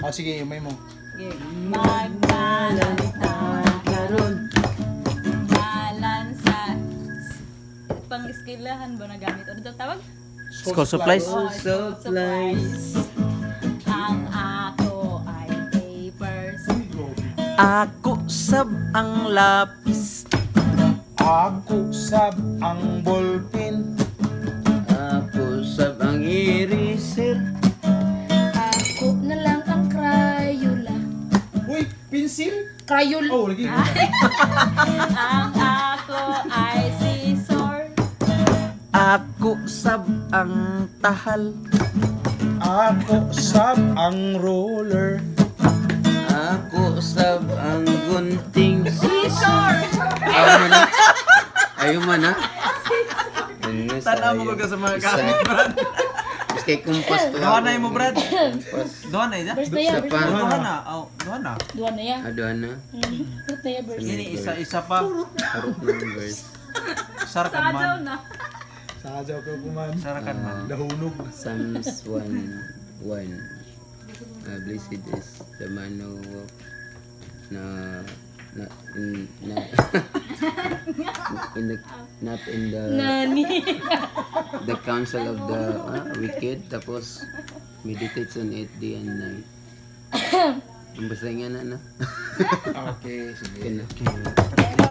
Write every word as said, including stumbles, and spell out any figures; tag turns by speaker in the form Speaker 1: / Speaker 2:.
Speaker 1: Oh, sige, umay mo.
Speaker 2: Sige. Maglalanta karon. Dalan sa pang-eskelahan ba nagamit? Ano daw tawag?
Speaker 3: School supplies.
Speaker 2: Oh,
Speaker 4: Supplies.
Speaker 2: supplies. Ang ako ay papers.
Speaker 3: Ako sab ang lapis.
Speaker 1: Ako sab ang ballpen.
Speaker 4: Ako sab ang eraser.
Speaker 5: Ako na lang ang Crayola.
Speaker 1: Uy, pencil?
Speaker 5: Crayola.
Speaker 1: Oh, lagi.
Speaker 2: Ang ako ay scissor.
Speaker 3: Ako sab ang tahal.
Speaker 1: Ako sab ang roller.
Speaker 4: Ako sab ang gunting.
Speaker 2: Scissor!
Speaker 4: Ayaw mo na. Ayaw mo na.
Speaker 3: Tanaw mo ka sa mga gamit, Brad.
Speaker 4: Mas kay kumpas to.
Speaker 3: Duha na mo, Brad.
Speaker 4: Kumpas.
Speaker 3: Duha na ida.
Speaker 5: First na yan,
Speaker 4: Sa
Speaker 5: first
Speaker 4: pa.
Speaker 5: na yan.
Speaker 3: Duha na. Oh, duha na.
Speaker 5: Duha na yan.
Speaker 4: Aduhan na.
Speaker 5: Mm, First na yan, first.
Speaker 3: Ini isa isa pa.
Speaker 4: Harap numbers.
Speaker 3: Sarakan
Speaker 2: Sadaw
Speaker 3: man.
Speaker 2: na.
Speaker 1: Sajaw ka kuman.
Speaker 3: Sarakan man.
Speaker 1: Dahunog.
Speaker 4: Psalms one one. Uh, blessed is the man who walk na na in, na in the not in the
Speaker 5: Nani.
Speaker 4: the counsel of the ah, wicked, tapos meditates on it day and night. Ang basta nga na na.
Speaker 1: Okay, sige.
Speaker 4: Kaya na.